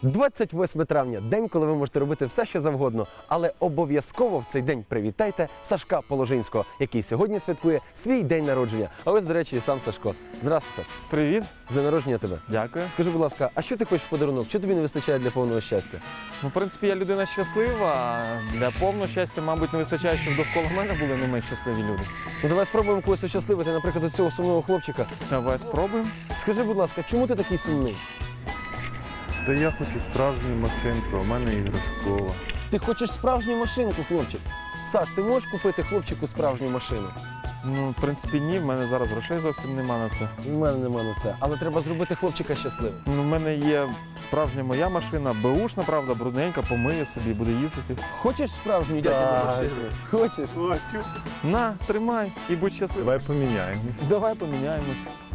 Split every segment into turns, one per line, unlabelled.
28 травня – день, коли ви можете робити все, що завгодно. Але обов'язково в цей день привітайте Сашка Положинського, який сьогодні святкує свій день народження. А ось, до речі, і сам Сашко. Здравствуй, Саш.
Привіт,
З днем народження тебе.
дякую.
Скажи, будь ласка, а що ти хочеш в подарунок? Що тобі не вистачає для повного щастя?
Ну, в принципі, я людина щаслива. Для повного щастя, мабуть, не вистачає, щоб довкола мене були не менш щасливі люди.
Ну давай спробуємо когось ощасливити, наприклад, ось цього сумного хлопчика.
Давай спробуємо.
Скажи, будь ласка, чому ти такий сумний?
Та я хочу справжню машинку, а в мене іграшкова.
Ти хочеш справжню машинку, хлопчик. Саш, ти можеш купити хлопчику справжню машину?
Ну, в принципі, ні, в мене зараз грошей зовсім нема на це.
У мене нема на це. Але треба зробити хлопчика щасливим.
Ну, в мене є справжня моя машина, беушна, правда, брудненька, помиє собі, буде їздити.
Хочеш справжню дядю
Так.
машину? Хочеш?
Хочу.
На, тримай і будь щасливий.
Давай поміняємось.
Давай поміняємось.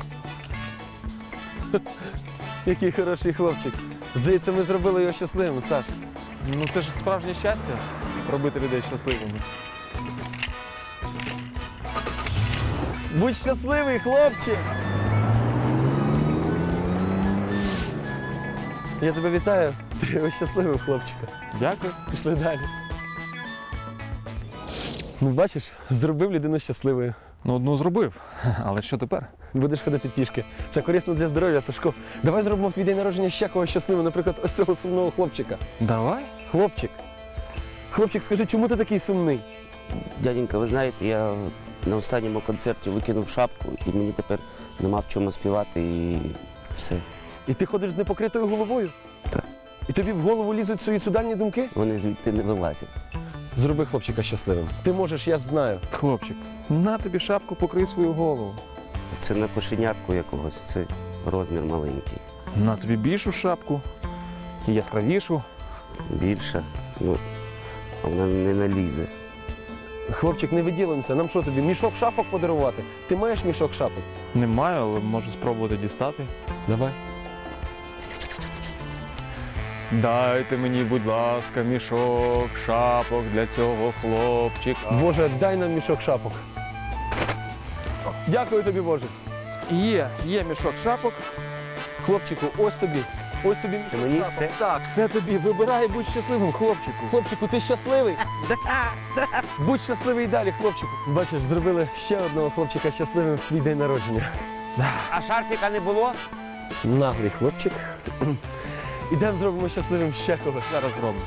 Який хороший хлопчик. Здається, ми зробили його щасливим, Саш.
Ну, це ж справжнє щастя робити людей щасливими.
Будь щасливий, хлопчик! Я тебе вітаю. Ти його щасливий, хлопчика.
Дякую.
Пішли далі. Ну, бачиш, зробив людину щасливою.
Ну, одну зробив. Але що тепер?
Будеш ходити пішки. Це корисно для здоров'я, Сашко. Давай зробимо в твій день народження ще когось щасливим, наприклад, ось цього сумного хлопчика.
Давай.
Хлопчик. Хлопчик, скажи, чому ти такий сумний?
Дяденька, ви знаєте, я на останньому концерті викинув шапку і мені тепер нема в чому співати і все.
І ти ходиш з непокритою головою?
Так.
І тобі в голову лізуть суїцидальні думки?
Вони звідти не вилазять.
Зроби хлопчика щасливим. Ти можеш, я ж знаю.
Хлопчик, на тобі шапку, покрий свою голову.
Це не кошенятку якогось, це розмір маленький.
На тобі більшу шапку і яскравішу.
Більша, ну, а вона не налізе.
Хлопчик, не виділимося. Нам що тобі, мішок шапок подарувати? Ти маєш мішок шапок?
Не маю, але можу спробувати дістати.
Давай.
Дайте мені, будь ласка, мішок шапок для цього хлопчика.
Боже, дай нам мішок шапок. Дякую тобі, Боже.
Є мішок шапок.
Хлопчику, ось тобі. Ось тобі мішок
Це мені
шапок.
все?
Так.
Все тобі, вибирай, будь щасливим, хлопчику.
Хлопчику, ти щасливий? Будь щасливий і далі, хлопчику. Бачиш, зробили ще одного хлопчика щасливим в твій день народження.
А шарфіка не було?
Наглий хлопчик. Ідемо зробимо щасливим ще когось.
Зараз зробимо.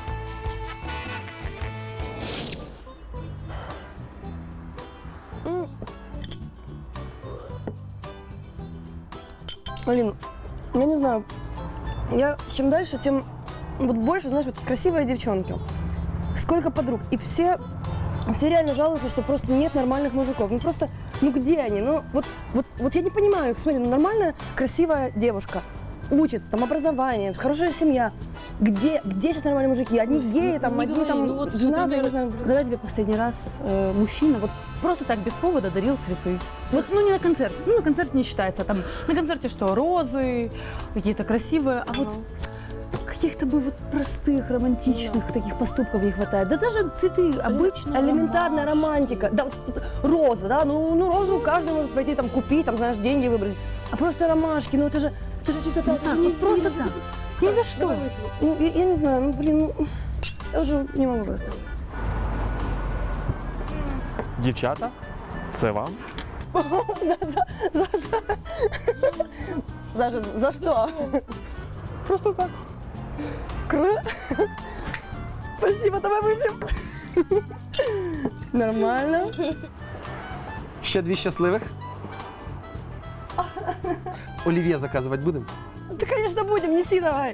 Блин, я не знаю. Я чем дальше, тем вот больше, знаешь, вот красивые девчонки. Сколько подруг. И все реально жалуются, что просто нет нормальных мужиков. Ну просто, ну где они? Ну вот я не понимаю их. Смотри, ну нормальная, красивая девушка. Учится, там образование, хорошая семья. Где сейчас нормальные мужики? Одни геи, там,
Не
одни
говори,
там
ну вот,
женатые,
например,
не знаю.
Когда тебе последний раз мужчина вот просто так без повода дарил цветы? Вот, ну не на концерте, ну на концерте не считается, там на концерте что, розы, какие-то красивые, а вот каких-то бы вот простых, романтичных таких поступков не хватает. Да даже цветы обычные.
Элементарная романтика. Да, вот роза, да, ну розу каждый может пойти там купить, там, знаешь, деньги выбросить. А просто ромашки, ну это же чистота.
Ну так, вот просто так. Ни за что.
Ну, я не знаю, ну блин, ну, я уже не могу просто.
Дівчата, це вам.
За что?
Просто так.
Круто. Спасибо, давай выпьем. Нормально.
Ще дві щасливих. Олів'є заказувати будемо?
Да, конечно, будем, неси давай.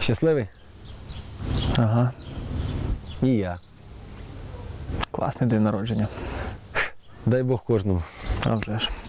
Щасливий?
Ага,
І я.
класний день народження.
Дай Бог кожному.
А вже ж.